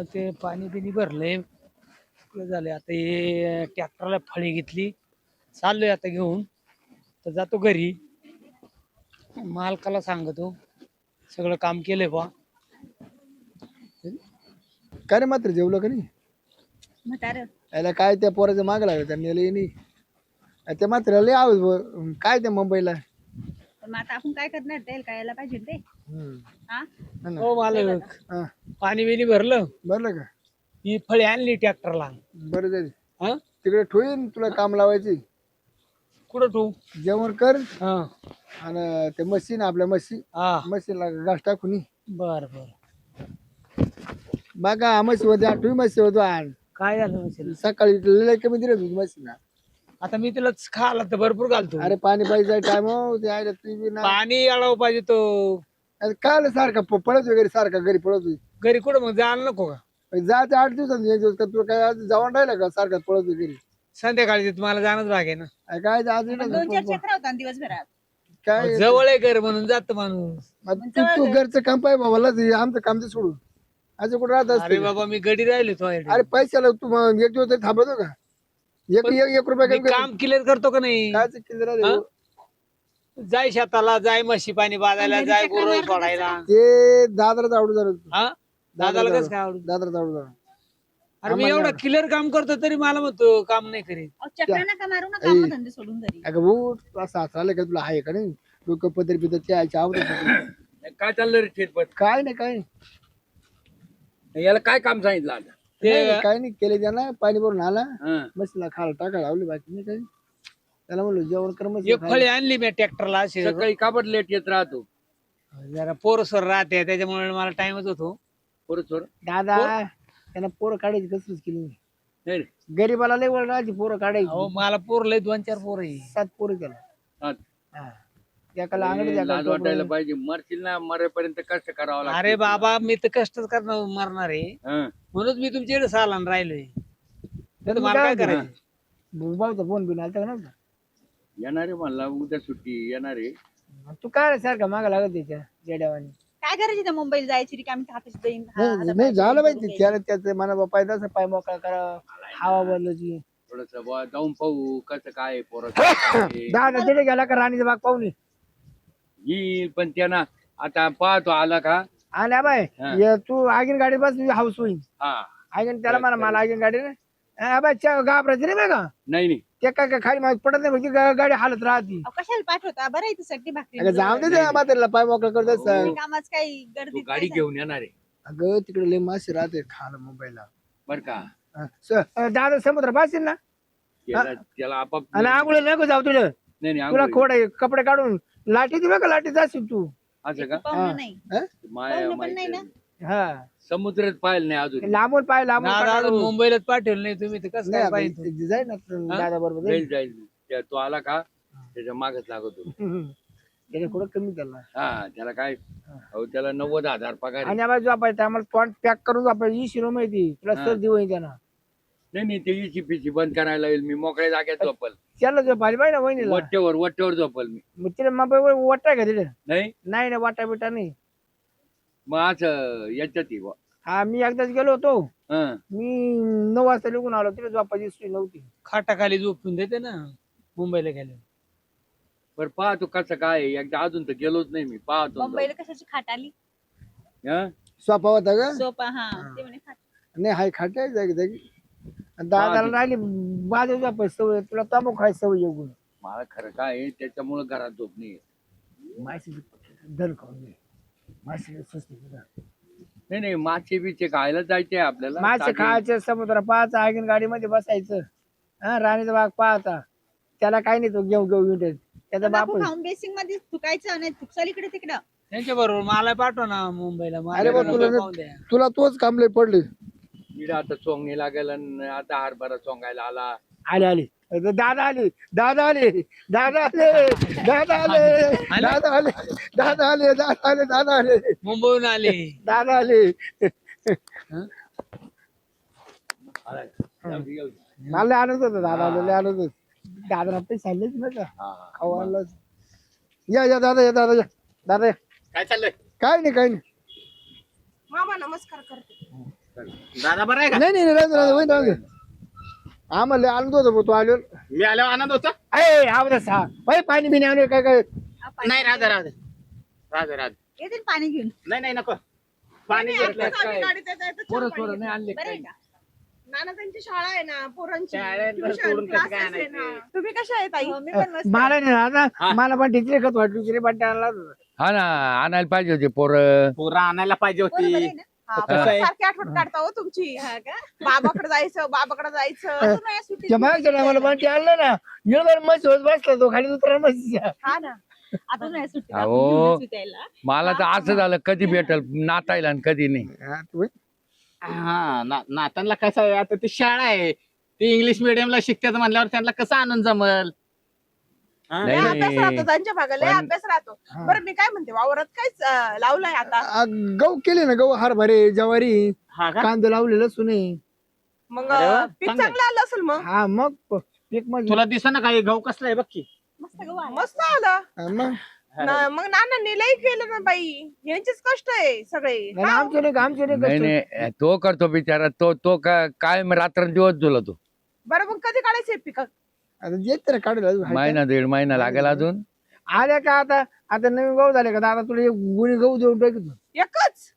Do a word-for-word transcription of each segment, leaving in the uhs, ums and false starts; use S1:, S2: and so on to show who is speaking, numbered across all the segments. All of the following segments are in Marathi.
S1: ते पाणी बिनी भरलंय झाले आता हे ट्रॅक्टरला फळी घेतली चाललोय आता घेऊन तर जातो घरी मालकाला सांगतो सगळं काम केलंय बा
S2: काय रे मात्र जेवलं का नाही
S3: म्हातारं
S2: याला काय त्या पोराचं माग लागलं त्यांनी लई नाही त्या मात्र लय आवाज ब- काय त्या मुंबईला
S3: पण मग आता आपण काय करणार त्याला काय यायला पाहिजे ते
S2: हम्म.
S3: हा
S2: हा ना.
S1: हो मालक
S2: हा,
S1: पाणी बिनी भरलं
S2: भरलं का
S1: ही फळी आणली ट्रॅक्टरला
S2: बरं जाईल
S1: हा
S2: तिकडे ठेवीन तुला काम लावायची
S1: कुठं तू
S2: जेवण कर
S1: हा
S2: आणि ते मशीन आपल्या मशीन
S1: हा
S2: मशीनला घास टाकून ये.
S1: बर बर
S2: बघा म्हशी होते आठवी म्हशी होतो आण
S1: काय झालं म्हशीला?
S2: सकाळी लय कमी दिलं तुझी म्हशीला
S1: आता मी तिला खायला तर भरपूर घालतो
S2: अरे पाणी पाहिजे टाइम ते आहे तू बी ना
S1: पाणी अडव पाहिजे तो
S2: अरे काय सारखा प- पळत वगैरे सारखा घरी पळत
S1: घरी कुठं मग जायला नको का
S2: जायचं आठ दिवसांनी एक दिवस का तुला काय आज जाऊन राहिलं का सारखा पळत घरी
S1: संध्याकाळी तुम्हाला जाणंच भाग आहे ना
S2: अरे काय आज
S3: मग दोन चार चक्र होता ना दिवसभरात
S2: काय
S1: अहो, जवळ आहे घर म्हणून जात माणूस
S2: मग तू तू घरचं काम पाहिजे बाबाला ते आमचं काम ते सोडून असं कुठं राहत
S1: अरे
S2: असते
S1: बाबा मी गडी राहिले तो
S2: अरे पैशाला तू मग एक दिवस तरी थांबवतो का एक एक एक रुपया
S1: मी
S2: कमी
S1: काम क्लिअर करतो का नाही
S2: काय किती राहते
S1: हा? जाय शेताला जाय म्हशी पाणी बाजायला
S3: घरी
S1: जाय
S3: चक्रा
S1: गुरं
S3: मारत
S1: सोडायला
S2: ते दादराच आवडू झालं
S1: हा दादाला कसं काय आवडत
S2: दादराच आवडू झालं
S1: अरे मी एवढं क्लिअर काम करतो तरी मला म्हणतो काम नाही करीत
S3: अहो, चक्र नका मारू ना काम धंदे सोडून घरी
S2: अगं भाऊ तुला सासरा आलं का तुला आहे का नाही डोकं पदर पिदर त्याच्या आवडत
S4: काय चाललं रे ठेटपट
S2: काय नाही काय नाही
S4: याला काय काम सांगितलं आता
S1: ते
S2: नाही, काय नाही केले त्याला पाणी भरून आला
S4: हं.
S2: मशीनला खायला टाकायला लावली बाकी नाही काही त्याला म्हणलं जेवण कर मशीन
S1: एक फळी आणली मी ट्रॅक्टरला अशी
S4: सकाळी काबड लेट येत राहतो
S1: जरा पोरसर राहते त्याच्यामुळे मला टाइमच होतो
S4: परत सोड
S2: दादा त्यांना पोरं काढायची कसरच केली नाही.
S4: नाही रे
S2: गरीबाला लय वळ राहायची पोरं काढायची
S1: अहो मला पोर लय दोन चार पोर आहे
S2: सात पोरं त्याला
S4: हा.
S2: हा. एकाला अंगडी
S4: ए,
S2: एकाला
S4: लाज वाटायला
S2: टोपलं.
S4: पाहिजे मरशील ना मरेपर्यंत कष्ट करावं लागतं
S1: अरे बाबा मी तर कष्टच करणार मरणार आहे
S4: हं.
S1: म्हणून मी तुमच्याकडे सालान राहिलोय
S2: तर
S1: तर
S2: मग
S1: मला काय
S2: काय
S1: करायचं
S2: भाऊचा फोन बिन आलता का नव्हता
S4: येणार आहे म्हणला उद्या सुट्टी येणार आहे
S2: तू काय सारखा मागा लागत त्याच्या जेड्यावानी
S3: काय करायची त्या मुंबईला जायची रिकामी हाताची देईन
S2: नाही नाही, झालं पाहिजे त्याला त्याचं मला पाहिजे तसं पाय मोकळा करा हवा बदलायची
S4: थोडस जाऊन पाहू कसं काय पोरं
S2: दादा तिथे गेला का राणीचा बाग पाहून ये.
S4: येईल पण त्यांना आता पाहतो आला का
S2: आल्या बाय
S4: हा.
S2: ये तू आगीन गाडी बस हाऊस होईल
S4: हा
S2: आगीन त्याला मला मला आगीन गाडी नाही हा बाय घाबरायची नाही बघा
S4: नाही नाही
S2: ते काय काय खाली मागे पडत नाही म्हणजे गा- गाडी हालत राहती
S3: अहो, कशाला पाठवता बरं आहे साठी
S2: अगं
S3: भाकरी
S2: जाऊ दे त्या म्हातारीला पाय मोकळा करत असं
S3: कामाच काही
S4: तू
S3: गर्दी
S4: गाडी घेऊन येणार आहे
S2: अगं तिकडे लय मासे राहते खायला मुंबईला
S4: बर का
S2: हा. स- अं, दादा समुद्र पाशील ना
S4: त्याला त्याला आपाप
S2: आणि आंघोळ नको जाऊ तुझं
S4: नाही नाही
S2: तुला
S4: आंघोळ.
S2: खोड आहे कपडे काढून लाठी दे बघा लाठी जाशील तू
S4: असं का
S3: पाहुणं नाही
S2: हा?
S4: माया
S3: पाहुणं पण नाही
S4: माहिती
S3: ना.
S2: हा
S4: समुद्रात पाहिलं नाही अजून
S2: लांबून पाय लांबून
S1: नाद
S2: पाय
S1: अजून
S2: काढून.
S1: मुंबईलाच पाठवलं नाही तुम्ही तर कसं
S2: नाही
S1: काय
S2: आता
S1: पाहिजे
S2: इथे जाईल ना दादा बरोबर
S4: जाईल जाईल त्या- तो आला का त्याच्या मागच लागतो
S2: त्याने थोडं कमी त्याला
S4: हा त्याला काय अहो त्याला नव्वद हजार पगार आहे.
S2: आणि आम्हाला झोपायचं आम्हाला पॉईंट पॅक करून झोपायचं ही शिरो माहिती तुला
S4: हा.
S2: सर्दी होईल त्यांना
S4: नाही नाही ते इची पिची बंद करायला येईल मी मोकळ्या जागेत झोपल
S2: त्याला झोपायला पाहिजे ना वहिनीला
S4: वट्टेवर वट्टेवर झोपल मी
S2: मग तिला मोबाईल वाटाय का तिथे
S4: नाही
S2: नाही ना वाटा बिटा नाही
S4: मग असं याच्यात आहे बुवा.
S2: हा मी एकदाच गेलो होतो
S4: हं.
S2: मी नऊ वाजता निघून आलो तिला झोपायची सोय नव्हती
S1: खाटाखाली झोपून देते ना मुंबईला गेले
S4: बरं पाहतो कसं काय आहे. एकदा अजून तर गेलोच नाही मी पाहतो
S3: मुंबईला कशाची खाट आली
S4: हं?
S2: सोपा होता का
S3: सोपा हा ते म्हणे खाट
S2: नाही हाय खाटे जागी जागी आणि दादाला राहिली बाजू झोपायची सवय तुला तांबू खायची सवय येऊन
S4: मला खरं काय आहे, त्याच्यामुळं घरात झोप नाही
S2: माशी दर खाऊन घे माशी स्वस्त
S4: नाही नाही मासे बिचे खायला जायचे आपल्याला
S2: मासे
S4: ताजे.
S2: खायचे समुद्र पाहायचा आगीन गाडीमध्ये बसायचं हा राणीचा बाग पाहता त्याला काही नाही तो घेऊ घेऊ विंटेल त्याचा बाप
S3: तंबाखू खाऊन बेसिंग मध्ये थुकायचं नाही थुकसाल इकडे तिकडं
S1: त्यांच्या बरोबर मला पाठव ना मुंबईला मला
S2: अरे बा
S1: नको
S2: तुला
S1: पाहून द्या.
S2: तुला तोच कामले पडले
S4: इकडे आता चोंगणी लागेल आणि आता हरभरा चोंगायला आला
S2: आले आले अरे दादा आले दादा आले दादा आले दादा आले दादा आले दादा आले दादा आले दादा आले
S1: मुंबईहून आले
S2: दादा आले
S4: आला. जाऊ दे, जाऊ दे.
S2: मला लय आनंद होता दादा आले लय आनंद होत दादा पैसे सांगलेच ना का
S4: हा, हा.
S2: खाऊ आणलं या या दादा या दादा या दादा या.
S4: काय चाललंय
S2: काय नाही काय नाही
S3: मामा नमस्कार करते
S5: दादा बरं आहे का?
S2: नाही नाही नाही, राहू दे, राहू दे, वहीन राहू दे. आम्हाला आनंद होतो भाऊ, तू आलो
S5: मी आल्यावर आनंद होता.
S2: अय आवाज सहा बाई पाणी बिणी आलो काय काय
S3: हा, पाणी
S5: नाही राहू दे राहू दे राहू दे राहू दे.
S3: येतील पाणी घेऊन
S5: नाही नाही नको पाणी
S3: नाही,
S5: घेतलं
S3: आताच आम्ही
S5: काय
S3: गाडीत येता येता चहा
S4: पोरं
S3: पाणी
S4: सोरं नाही
S3: घेतलं.
S4: आणले
S3: बरं आहे
S4: काय?
S3: का? नाना त्यांची शाळा आहे ना पोरांची
S5: शाळेत तर
S3: tuition,
S5: सोडून कसं काय
S3: classes आहे
S5: आणायचे?
S3: ना. तुम्ही कशा आहे ताई मी पण मस्त
S2: मला नाही
S5: हा.
S2: आता मला पण टिचरे खत वाटली टिचरे बट्टे आणला होता.
S4: हा ना आणायला पाहिजे होते पोरं.
S5: पोरं आणायला पाहिजे
S3: बरोबर आहे
S5: होती.
S3: ना?
S6: हा,
S5: कसं आहे?
S6: सारखी आठवण काढता हो तुमची
S3: हा का?
S6: बाबाकडे जायचं बाबाकडे जायचं
S3: अजून या सुट्टीत
S2: त्या मागच्या टायमाला बंटी आणलं ना येणार मस्त होत बसला तो खाली उतरा मस्त
S6: हा ना
S3: अजून या सुट्टीत
S4: अहो.
S3: आपण घेऊनच विकायला.
S4: मला तर असं झालं कधी भेटल नातायला आणि कधी नाही.
S5: हा ना- नातांना कसं आहे आता ती शाळा आहे ती इंग्लिश मिडियमला शिकतात म्हणल्यावर त्यांना कसं आनंद जमल. हा?
S4: नाही,
S6: लय
S4: नाही.
S6: अभ्यास राहतो त्यांच्या भागाला लय
S4: पण-
S6: अभ्यास राहतो
S2: हा.
S6: बरं मी काय म्हणते वावरात कायच अं, लावलंय आता
S2: आ, गहू केले ना गहू हरभरे ज्वारी
S5: हा का?
S2: कांदे लावले लसूण आहे.
S6: मग
S5: अरे वा,
S6: अं, पीक
S5: चांगलं आहे.
S6: चांगलं आलं असेल मग
S2: हा मग प- पीक मग
S5: तुला दिसा ना काही गहू कसला आहे बघ की.
S3: मस्त गहू आहे.
S6: मस्त आलं
S2: हा, मग
S6: ना- मग नानांनी लई केलं ना बाई यांचेच कष्ट आहे सगळे
S2: नाही, आमचं नाही का, आमचं नाही
S4: नाही
S2: कष्ट.
S4: नाही तो करतो बिचारा तो तो का- काय रात्रंदिवस झुलतो.
S6: बरं मग कधी काढायचे पीक
S2: आता येत तर काढलं अजून.
S4: महिना दीड महिना लागेल अजून.
S2: आल्या का आता आता नवीन गहू झाले का आता तुला एक गुणी गहू देऊन टाकतो
S6: एकच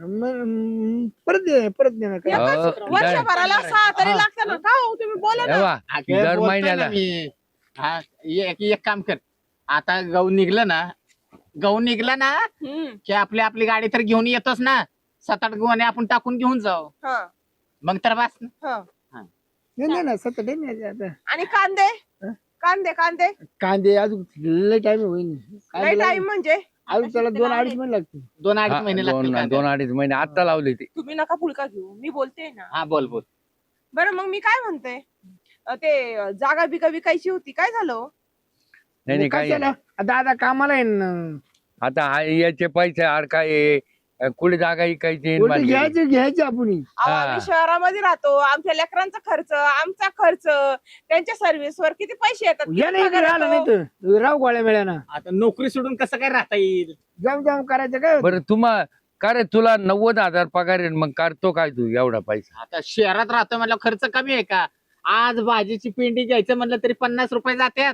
S2: मग परत दे परत दे ना काय
S4: हो,
S6: एकच
S4: दर-
S6: वर्षभराला सहा तरी
S2: हा.
S6: लागतं ना का हो तुम्ही बोला ना
S4: हे बा,
S5: अगं,
S4: दर
S5: बोलतोय
S4: महिन्याला
S5: ना मी. हा एक एक काम कर आता गहू निघलं ना गहू निघला ना
S6: हम्म,
S5: की आपली आपली गाडी तर घेऊन येतोच ना सात आठ गहू आपण टाकून घेऊन जाऊ
S6: हा,
S5: मग तर बस ना.
S6: हा.
S2: नाही नाही ना सतत आहे ना आता
S6: आणि कांदे
S2: हा?
S6: कांदे कांदे
S2: कांदे अजून लय टाइम होईल
S6: लय
S2: कांदे
S6: टाइम म्हणजे
S2: अजून त्याला दोन अडीच महिने लागतील.
S5: दोन अडीच
S4: हा,
S5: महिने लागतील
S4: दोन
S5: कांद्याला.
S4: दोन अडीच महिने आता लावले ते.
S6: तुम्ही नका पुलका घेऊ मी बोलते ना
S5: हा बोल बोल
S6: बरं मग मी काय म्हणते अं, ते अं, जागा बिका विकायची होती काय झालं हो?
S4: नाही नाही
S2: काय
S4: काय
S2: झालं? दादा कामाला आहे ना
S4: आता हा याचे पैसे आड काय कुठे जागा इकायची
S2: उलटे घ्यायचे घ्यायचे आपण
S6: अहो,
S4: हा.
S6: आम्ही शहरामध्ये राहतो आमच्या लेकरांचा खर्च आमचा खर्च त्यांच्या सर्व्हिसवर किती पैसे येतात
S2: या नाही
S6: किती
S2: इकडे
S6: पगार
S2: आला नाही
S6: येतो?
S2: तर राव गोळ्या मिळाना
S5: आता नोकरी सोडून कसं काय राहता येईल.
S2: जाम जाम करायचं काय होतं?
S4: बरं तुम्हा का रे तुला नव्वद हजार पगार आहे मग करतो काय तू एवढा पैसा.
S5: आता शहरात राहतो म्हणलं खर्च कमी आहे का आज भाजीची पिंडी घ्यायचं म्हणलं तरी पन्नास रुपये जातात.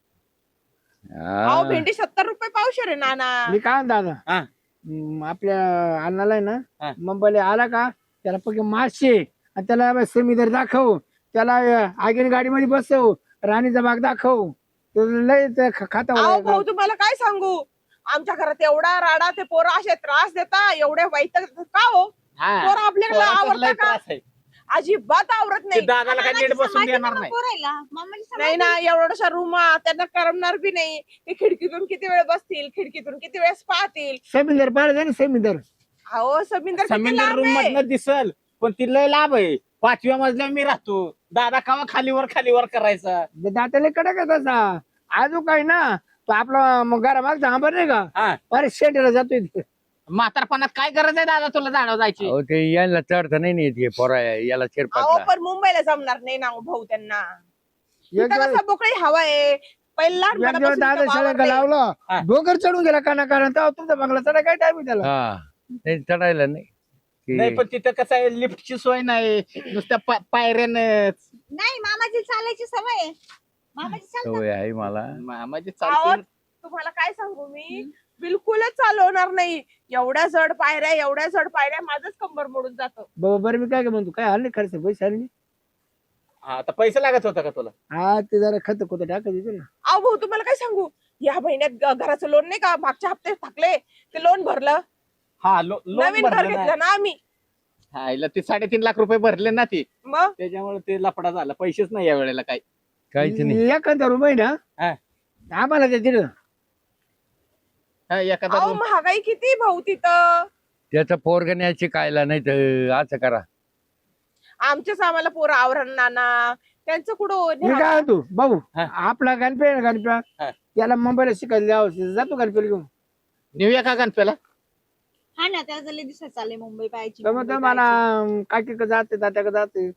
S6: अहो
S4: हा.
S6: भेंडी सत्तर रुपये पावशेर आहे नाना
S2: मी काय म्हणतो दादा
S5: हा.
S2: हम्म, आपल्या अण्णाला आहे
S5: हा.
S2: ना मुंबईला आला का त्याला पक्के मासे आणि त्याला समीदर दाखव त्याला आगीन गाडीमध्ये बसव राणीचा बाग दाखव तो लय ते ख- खाता
S6: अहो
S2: वगैरे.
S6: भाऊ तुम्हाला काय सांगू आमच्या घरात एवढा राडा ते पोरं असे त्रास देता एवढे वाईट का हो
S5: हा.
S6: पोरं आपल्याकडे
S5: पोराचं लय
S6: आवडतं का
S5: त्रास आहे.
S6: अजिबात आवडत
S5: ते
S6: नाही
S5: दादाला काय नीट
S3: मामाची
S5: बसून
S3: समाधी
S5: देणार
S3: नको
S5: नाही.
S3: पोरायला. मामाची
S6: नाही
S3: समाधी.
S6: ना एवढ्याशा रूमा त्यांना करमणार बी नाही ते खिडकीतून किती वेळ बसतील खिडकीतून किती वेळेस पाहतील
S2: समीदर पाहिजे ना समीदर
S6: अहो समिंदर किती
S5: समिंदर
S6: लांब
S5: रूम
S6: आहे.
S5: मधनं दिसल पण ती लय लाभ आहे पाचव्या मजल्यावर मी राहतो दादा कावा खालीवर खालीवर करायचा.
S2: दाताला कडक आहे तसा आजू काय ना तो आपला मग घरा मागचा आंबर नाही का
S5: हा
S2: अरे शेंडला जातोय ते.
S5: म्हातारपणात काय गरज आहे दादा तुला झाडावर जायची.
S4: अहो ते यायला चढता नाही येत हे पोरा याला
S6: अहो
S4: चिरपातला.
S6: पण मुंबईला जमणार नाही ना हो भाऊ त्यांना
S2: एक
S6: इथं
S2: दिवस-
S6: कसं मोकळी हवा आहे पहिला
S2: एक दिवस दादा शाळेत लावला
S5: हा.
S2: डोंगर चढून गेला काना कारण तेव्हा तुमचा बंगला चढा काय टाइम त्याला
S4: हा नाही चढायला नाही
S5: नाही
S4: की-
S5: पण तिथं कसं आहे लिफ्टची सोय नाही नुसत्या पा- पायऱ्यानंच
S3: नाही मामाची चालायची सवय आहे. मामाची चालतात.
S4: सवय आहे मला.
S5: म्हणजे
S6: अहो,
S5: चालते
S6: तुम्हाला काय सांगू मी बिलकुलच चालवणार नाही एवढ्या जड पायऱ्या एवढ्या जड पायऱ्या माझंच कंबर मोडून जातं
S2: बाबा बरं मी काय काय म्हणतो काय हल्ली खर्च पैसे हल्ली
S5: आता पैसे लागत होता का तुला.
S2: हा ते जरा खत खोत टाकत येतो ना
S6: अहो भाऊ तुम्हाला काय सांगू या महिन्यात ग- घराचं लोन नाही का मागच्या हप्ते थकले ते लोन भरलं
S5: हा लो- लोन
S6: नवीन घर
S5: भरलं ना.
S6: घेतलं ना आम्ही
S5: हा, हिला ते साडेतीन लाख रुपये भरले ना ती
S6: मग
S5: त्याच्यामुळे ते लफडा झाला पैसेच नाही या वेळेला काय.
S4: काहीच नाही.
S2: एखादा रुपये ना
S5: हा.
S2: आम्हाला ते दिलं
S5: हा, एखादा
S6: अहो
S5: room-
S6: महागाई किती भाऊ तिथं
S4: त्याचा पोरग न्यायची कायला नाही तर असं करा.
S6: आमच्याच आम्हाला पोरं आवरण नाना त्यांचं कुठं
S2: मी काय म्हणतो भाऊ
S5: हा.
S2: आपला गणपे आहे ना गणप्या
S5: हा.
S2: त्याला मुंबईला शिकायला द्यावं जातो गणपेला घेऊन
S5: नेऊया का गणपेला.
S3: हा ना त्याचं लय दिवसात चालले मुंबई पाहायची
S2: तर मग
S3: मुंबई
S2: तो मला
S3: पाहायची.
S2: काकी जाते तात्याकडे जाते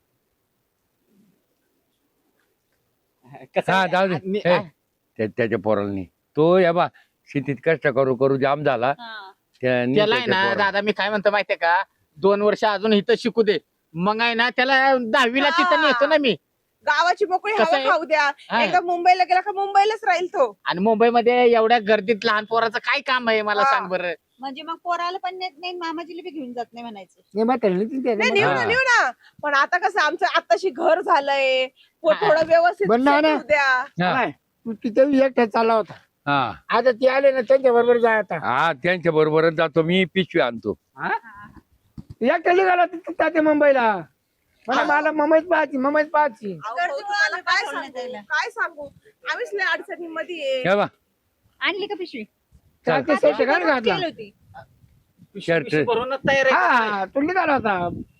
S5: कसं
S4: हा
S5: आहे,
S4: जाऊ दे
S5: आणि-
S4: हे, त्या- त्याच्या पोराला नाही तो या बा शेतीत कष्ट करू करू जाम झाला
S3: हा.
S4: त्या- नी
S5: त्याला आहे
S4: त्याच्या
S5: ना
S4: पोराला.
S5: दादा मी काय म्हणतो माहितीये का दोन वर्ष अजून इथं शिकू दे मग आहे ना त्याला दहावीला
S6: हा.
S5: तिथं नेतो ना मी.
S6: गावाची मोकळी
S5: कसं
S6: हवा
S5: आहे?
S6: खाऊ द्या.
S5: हा.
S6: एकदा मुंबईला गेला का मुंबईलाच राहील तो.
S5: आणि मुंबईमध्ये एवढ्या गर्दीत लहान पोराचं काय काम आहे मला
S6: हा.
S5: सांग बरं.
S3: म्हणजे मग पोराला पण नेत नाही मामाजीला बी घेऊन जात नाही म्हणायचं.
S2: नाही म्हातारी नाही ते-
S6: नाही नेऊ ना
S4: हा.
S6: नेऊ ना. पण आता कसं आमचं आताशी घर झालंय. पो-
S5: हा.
S6: थोडं व्यवस्थित
S2: बरं ना,
S6: set
S2: ना.
S6: होऊ द्या.
S4: हा
S2: काय? तू तिथे एकटा चालला होता
S4: हा
S2: आता ते आले ना त्यांच्या बरोबर जा आता
S4: हा त्यांच्या बरोबरच जातो मी, पिशवी आणतो.
S2: एकटा निघाला तिथे जाते मुंबईला मला मला मुंबईत पाहायची मुंबईत पाहायची
S6: अहो,
S3: गर्दी
S6: भाऊ, तुम्हाला
S3: आम्ही
S6: काय
S3: पाठवण्यात
S6: सांगू
S3: यायला.
S6: काय सांगू आम्हीच लय अडचणीमध्ये आहे.
S4: हे बा
S3: आणली का पिशवी?
S4: चल.
S2: ते शर्ट काढ घातला
S3: केली होती.
S4: शर्ट.
S5: पिशवी भरूनच तयार आहे.
S2: हा तू निघाला होता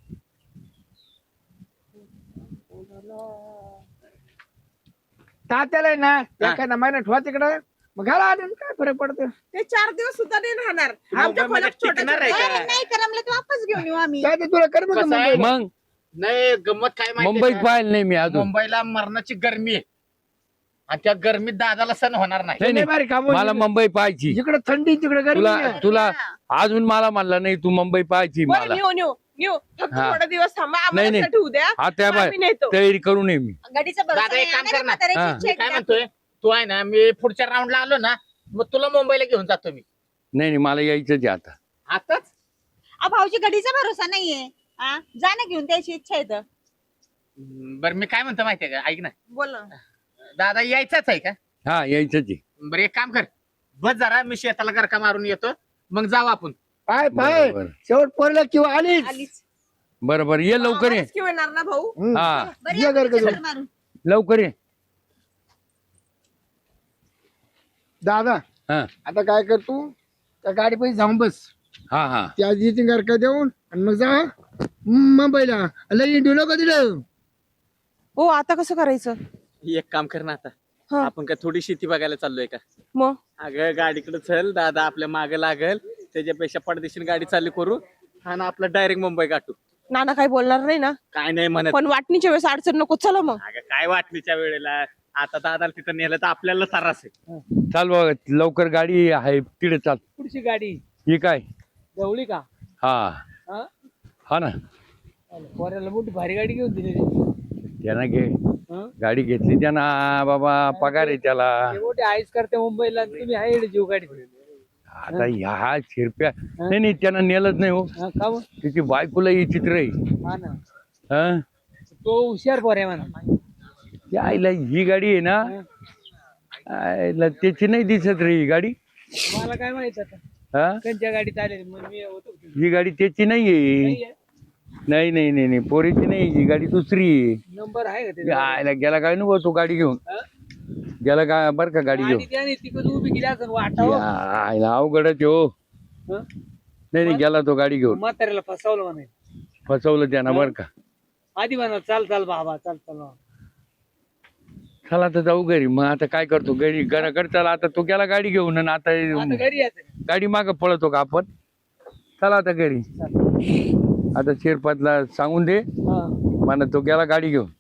S2: तात्याला आहे ना एखादा महिना ठेवा तिकडं मग घाला आले ना, काय फरक पडतो
S6: ते चार दिवस सुद्धा नाही राहणार. आमच्या
S5: मुंबईमध्ये
S6: खोल्यात छोट्या
S5: टिकणार आहे
S6: छोट्या-
S5: का?
S3: अरे नाही करमलं तर वापस घेऊन येऊ आम्ही.
S2: काय ते तुला कर मग
S5: कसं आहे?
S2: मुंबईला.
S4: मग
S5: नाही गंमत काय माहिती
S4: मुंबईत
S5: आहे
S4: पाहिलं नाही मी
S5: का?
S4: अजून.
S5: मुंबईला मरणाची गरमी आहे आणि त्या गरमीत दादाला सण होणार नाही.
S4: नाही
S2: लय भारी काम
S4: नाही
S2: होईल.
S4: मला मुंबई पाहायची.
S2: जिकडे थंडी तिकडे गरमी
S4: तुला
S2: आहे.
S4: तुला अजून मला म्हणला नाही तू मुंबई पाहायची
S6: बरं
S4: मला.
S6: नेऊ नेऊ नेऊ फक्त
S4: हा.
S6: थोडे दिवस थांबा
S4: नाही,
S6: आम्हाला
S4: नाही.
S6: असं ठेवू द्या.
S4: आता बाय
S6: आम्ही नेतो.
S4: तयारी करू नये मी.
S3: गाडीचा भरोसा
S5: दादा, एक
S3: नाही.
S5: काम
S3: नाही,
S5: कर ना.
S3: म्हाताऱ्याची
S4: हा.
S3: इच्छा
S5: मी
S3: आहे
S5: काय
S3: का?
S5: म्हणतोय तू आहे ना मी पुढच्या राऊंडला आलो ना मग तुला मुंबईला घेऊन जातो मी
S4: नाही नाही मला यायचंच आहे आता.
S5: आताच.
S3: अहो, भाऊजी गाडीचा भरोसा नाहीये. हा जा ना घेऊन त्याची इच्छा आहे तर.
S5: बरं मी काय म्हणतो माहितीये का ऐक ना
S6: बोल ना.
S5: दादा यायचाच आहे का?
S4: हा यायचंच आहे.
S5: बरं एक काम कर बस जरा मी शेताला गरका मारून येतो मग जाऊ आपण.
S2: पाय पाय
S4: बरं
S2: शेवट पोरला किंवा आलीच
S6: आलीच.
S4: बरं बरं ये लवकर ये.
S6: आम्हालाच घेऊन येणार ना भाऊ.
S2: हम्म.
S4: हा
S3: बरं
S2: ये
S3: या
S2: घर
S3: पुढच्या
S2: करून.
S3: घर मारून.
S4: लवकर ये.
S2: दादा
S4: हा
S2: आता काय कर तू त्या गाडी पैसे जाऊन बस
S4: हा हा
S2: त्या आधी घर का देऊन आणि मग जा मुंबईला लई इंडिओ नको दिलं
S6: हो आता कसं करायचं?
S5: एक काम कर ना आता
S6: हा.
S5: आपण काय थोडी शेती बघायला चाललोय का?
S6: मग
S5: अगं गाडीकडे चल दादा आपल्या मागे लागल त्याच्यापेक्षा पडदेशीर गाडी चालू करू आणि आपलं डायरेक्ट मुंबई गाठू.
S6: नाना काही बोलणार नाही ना.
S5: काय नाही म्हणत.
S6: पण वाटणीच्या वेळेस अडचण नको. चला मग.
S5: अगं काय वाटणीच्या वेळेला आता दादाला तिथं नेलं तर आपल्याला त्रास आहे.
S4: चाल बघ लवकर गाडी आहे तिकडे चाल.
S1: पुढची गाडी
S4: ही काय
S1: जवळी का?
S4: हा
S1: हा
S4: हा ना
S1: पोऱ्याला मोठी भारी गाडी घेऊन दिली रे.
S4: त्यांना घे
S1: हं?
S4: गाडी घेतली त्यांना बाबा पगार आहे त्याला.
S1: ते मोठे आईस करते मुंबईला आणि तुम्ही आहे जीव गाडी.
S4: आता ह्या शिरप्या नाही नाही त्यांना नेलंच नाही हो.
S1: हा का मग?
S4: त्याची बायकोला ही चित्र आहे.
S1: हा ना
S4: हा
S1: तो हुशार पोर आहे म्हणा.
S4: त्या आईला ही गाडी आहे ना आईला त्याची नाही दिसत रे ही गाडी.
S1: मला काय माहित आता
S4: हा
S1: त्यांच्या गाडीत आले मग मी होतो.
S4: ही गाडी त्याची नाहीये.
S1: नाहीये.
S4: नाही नाही नाही नाही पोरीची नाही ही गाडी दुसरी आहे.
S1: नंबर आहे का
S4: या
S1: त्याचा?
S4: आईला गेला काय नको तो गाडी घेऊन
S1: हा?
S4: गेला का बर का गाडी घेऊन.
S1: आणि त्याने तिकडे उभी केली असं वाटावं.
S4: या आईला अवघडच आहे हो.
S1: हं?
S4: नाही नाही गेला तो गाडी घेऊन
S1: म्हाताऱ्याला फसवलं म्हणे.
S4: फसवलं त्यानं बर का.
S1: आधी म्हणा चाल चाल बाबा चाल चाल बाबा.
S4: चला आता जाऊ घरी. मग आता काय करतो घरी घराकडे चला. आता तो गेला गाडी घेऊन आणि आता
S1: आता घरी यायचं.
S4: गाडी माग पळतो का आपण. चला आता घरी. आता शिरपातला सांगून दे
S1: हा.
S4: म्हणा तो गेला गाडी घेऊन.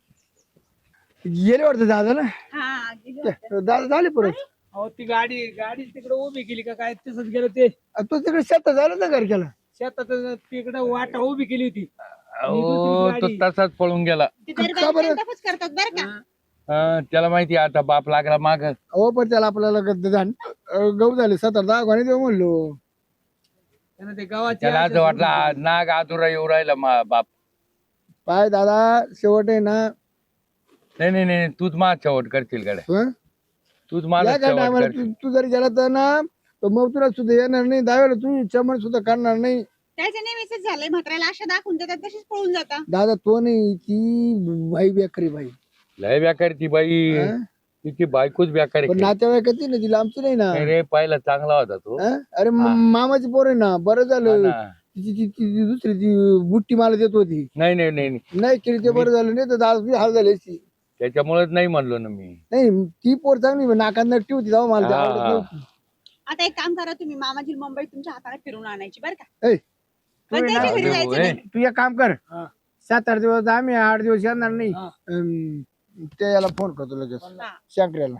S2: गेले वाटतं दादा ना
S3: हा गेली होती.
S2: दादा झाले परत
S1: अहो ती गाडी गाडी तिकडे उभी केली का काय तसंच गेलं ते
S2: तू तिकडे शेतात झालं ना घर केला
S1: शेतात तिकडे वाटा उभी केली होती.
S4: हो तो तसाच पळून गेला.
S3: ती दर
S2: का बरं?
S3: बाई तसंच करतात बरं का.
S4: हा, त्याला माहिती आहे आता बाप लागला माग.
S2: हो पण त्याला आपल्याला ग- धान- अं, गहू झाले सतरा दहा गाणी देऊ म्हणलो
S1: त्यानं ते गावाची
S4: त्याला असं वाटलं आ, नाग आदुरा येऊ राहिला मा बाप.
S2: पाय दादा शेवट आहे ना
S4: नाही नाही नाही तूच माझ शेवट करशील गाड्या.
S2: हं?
S4: तूच माझा
S2: या काय
S4: शेवट
S2: टायमाला
S4: करशील.
S2: तू तू जर गेला तर ना तर मग तुला सुद्धा येणार नाही दहावेला तू चमन सुद्धा करणार नाही.
S3: त्याच्या नेहमीच झालंय. म्हाताऱ्याला आशा दाखवून देतात तशीच पळून जाता.
S2: दादा तो नाही ती बाई बेकरी बाई
S4: लय बेकार ती बाई.
S2: हं?
S4: तिची बायकोच बेकार
S2: पण
S4: आहे.
S2: नातेवाईकाची ना तिला आमची नाही ना
S4: नाही रे पाहिला चांगला होता तो.
S2: हं? अरे म- मामाची पोर आहे ना बरं
S4: हा
S2: झालं
S4: ना.
S2: तिची ती- ती- ती दुसरी ती बुट्टी मला देत होती
S4: नाही नाही नाही नाही.
S2: नाही केली ते बरं झालं नाही तर दादा हाल झाले असती.
S4: त्याच्यामुळेच नाही म्हणलो ना मी.
S2: नाही ती पोर चांगली नाकात नट्टी होती जाऊ मला ती
S4: हा,
S2: आवडत
S4: हा.
S2: नव्हती.
S3: आता एक काम करा तुम्ही मामाजी मुंबईत तुमच्या हाताने फिरून आणायची बरं का.
S2: ऐ,
S3: पण त्याच्या घरी
S4: अरे
S3: जायचं
S4: होय.
S3: नाही.
S2: तू एक काम कर
S1: हा.
S2: सात आठ दिवस आम्ही आठ दिवस येणार नाही
S1: हा.
S2: अं, ते याला फोन करतो लगेच
S3: हा.
S2: शंकर्याला.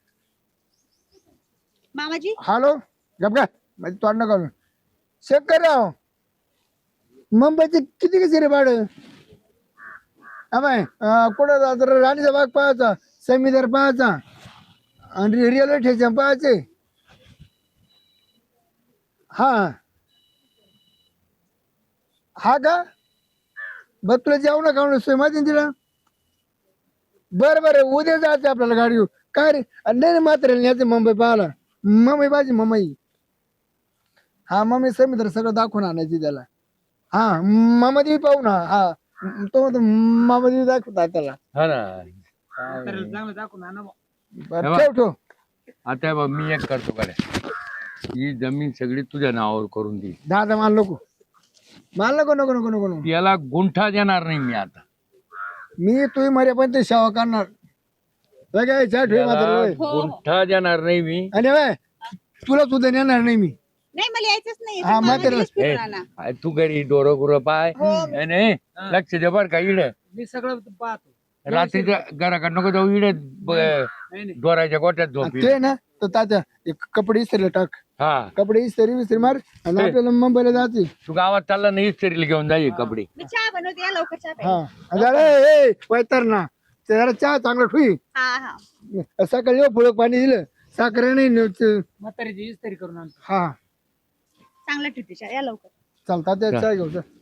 S3: मामाजी
S2: हॅलो गप का माझी तोंड नका शंकरराव मुंबईचे किती कसे रे भाडं हा बाय कुठं जात राणीचा बाग पाहायचा समीदर पाहायचा आणि रेल्वे स्टेशन पाहायचे हा हा का बर तुला जेवण खावणं सोय माहिती ना तिला बरं बरं उद्या जायचं आपल्याला गाडी घेऊन काय रे अरे नाही नाही मात्र न्यायचं मुंबई पाहायला मुंबई पाहिजे मुंबई हा मम्मी समुद्र सगळं दाखवून आणायची त्याला हा मामा देवी पाहू ना हा तो म्हणतो मामा देवी दाखवता त्याला
S4: हा ना
S1: चांगलं दाखवून आणा बुवा.
S2: बरं ठेव ठेव
S4: आता बघ मी एक करतो गाड्या ही जमीन सगळी तुझ्या नावावर करून दे
S2: दादा माल नको माल नको नको नको नको नको
S4: याला गुंठा देणार नाही मी आता
S2: मी तुम्ही मरे पण ते सेवा करणार काय काय चहा ठेव मात्र
S4: याला
S2: होय.
S4: गुंठा देणार नाही मी
S2: आणि बाय तुला सुद्धा नेणार नाही मी
S3: नाही मला यायचंच नाही
S2: हा,
S3: तुम्ही
S2: मग त्याला-
S3: आम्हालाच फिरून
S4: ए,
S3: आणा.
S4: आ, तू घरी डोरं गुरं पाय ए, नाही लक्ष दे बर का इड
S1: मी सगळं पाहतो
S4: रात्रीच्या घराकडे नको जाऊ इड
S1: नाही नाही
S4: डोराच्या गोट्यात झोप
S2: आणि ते ना तर तात्या एक कपडे इस्त्री टाक
S4: हा
S2: कपडे इस्त्री विस्त्री मार आणि आपल्याला मुंबईला जायचे
S4: तू गावात चालला नाही इस्त्रीला घेऊन जाई कपडे
S3: मी चहा बनवते या लवकर चहा
S2: हा
S3: प्यायला.
S2: आणि जरा ए वैतर ना ते जरा चहा चांगला ठुई
S3: हा हा
S2: सकाळी येऊ फुलं पाणी दिलं साखर नाही न- ते-
S1: म्हातारीची इस्त्री करून आणतो
S2: हा
S3: चांगला ठेवते चहा या लवकर
S2: चालतात त्या चहा घेऊ चल.